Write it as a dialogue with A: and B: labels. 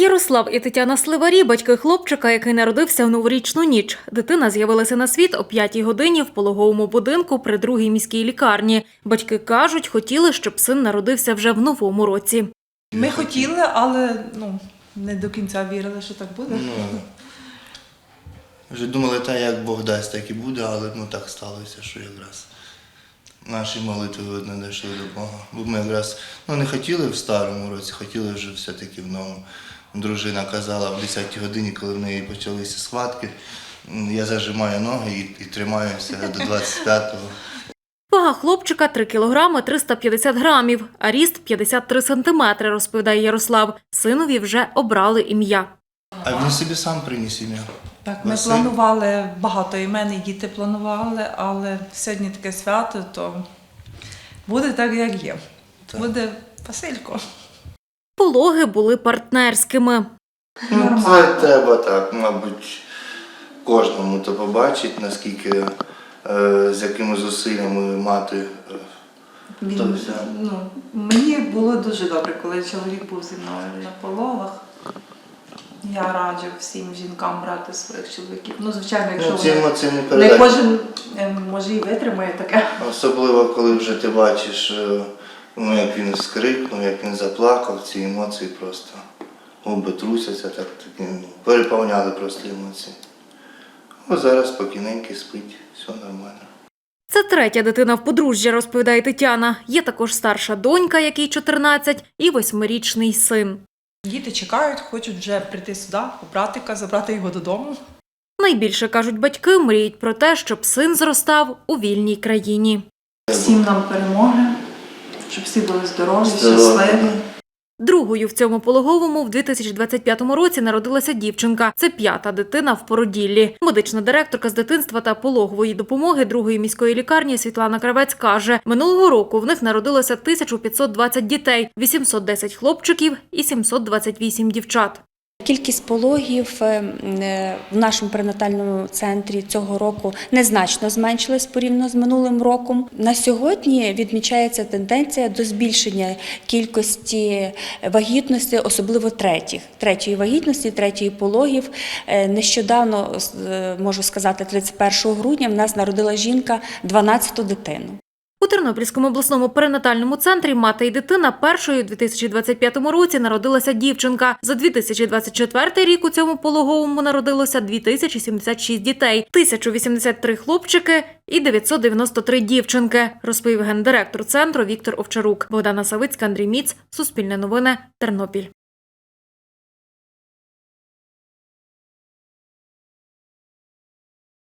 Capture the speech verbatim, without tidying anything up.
A: Ярослав і Тетяна Сливарі – батьки хлопчика, який народився в новорічну ніч. Дитина з'явилася на світ о п'ятій годині в пологовому будинку при другій міській лікарні. Батьки кажуть, хотіли, щоб син народився вже в новому році.
B: Ми хотіли, але ну, не до кінця вірили, що так буде.
C: Ну, вже думали, так як Бог дасть, так і буде, але ну, так сталося, що якраз наші молитви не дійшли до Бога. Бо ми якраз ну, не хотіли в старому році, хотіли вже все-таки в новому. Дружина казала в десятій годині, коли в неї почалися схватки, я зажимаю ноги і, і тримаюся до двадцять п'ятого.
A: Вага хлопчика – три кілограми триста п'ятдесят грамів, а ріст – п'ятдесят три сантиметри, розповідає Ярослав. Синові вже обрали ім'я.
C: А він собі сам приніс ім'я.
B: Так, ми
C: Василь.
B: планували, багато імен, і діти планували, але сьогодні таке свято, то буде так, як є.
C: Так.
B: Буде Василько.
A: Пологи були партнерськими.
C: Ну, це треба так, мабуть, кожному то побачить, наскільки, е, з якими зусиллями мати. Е,
D: Він,
C: то все.
D: ну, мені було дуже добре, коли чоловік був зі мною на пологах. Я раджу всім жінкам брати своїх чоловіків. Ну, звичайно, якщо
C: Ну, ці
D: вони-
C: емоції не
D: не
C: передати.
D: кожен е, може і витримає таке.
C: Особливо, коли вже ти бачиш, е, ну, як він скрикнув, як він заплакав, ці емоції просто губи трусяться, так, такі, ну, переповняли просто емоції. Ось зараз спокійненький спить, все нормально.
A: Це третя дитина в подружжя, розповідає Тетяна. Є також старша донька, якій чотирнадцять, і восьмирічний син.
B: Діти чекають, хочуть вже прийти сюди, у братика, забрати його додому.
A: Найбільше, кажуть батьки, мріють про те, щоб син зростав у вільній країні.
D: Всім нам перемоги, щоб всі були здорові,
C: Здорові.
D: щасливі.
A: Другою в цьому пологовому в дві тисячі двадцять п'ятому році народилася дівчинка. Це п'ята дитина в породіллі. Медична директорка з дитинства та пологової допомоги другої міської лікарні Світлана Кравець каже, минулого року в них народилося тисяча п'ятсот двадцять дітей, вісімсот десять хлопчиків і сімсот двадцять вісім дівчат.
E: Кількість пологів е, в нашому перинатальному центрі цього року незначно зменшилась порівняно з минулим роком. На сьогодні відмічається тенденція до збільшення кількості вагітності, особливо третіх, третьої вагітності, третьої пологів. Е, Нещодавно, е, можу сказати, тридцять першого грудня в нас народила жінка дванадцяту дитину.
A: У Тернопільському обласному перинатальному центрі «Мати і дитина» першою у дві тисячі двадцять п'ятому році народилася дівчинка. За дві тисячі двадцять четвертий рік у цьому пологовому народилося дві тисячі сімдесят шість дітей, тисяча вісімдесят три хлопчики і дев'ятсот дев'яносто три дівчинки, розповів гендиректор центру Віктор Овчарук. Богдана Савицька, Андрій Міц, Суспільне новини, Тернопіль.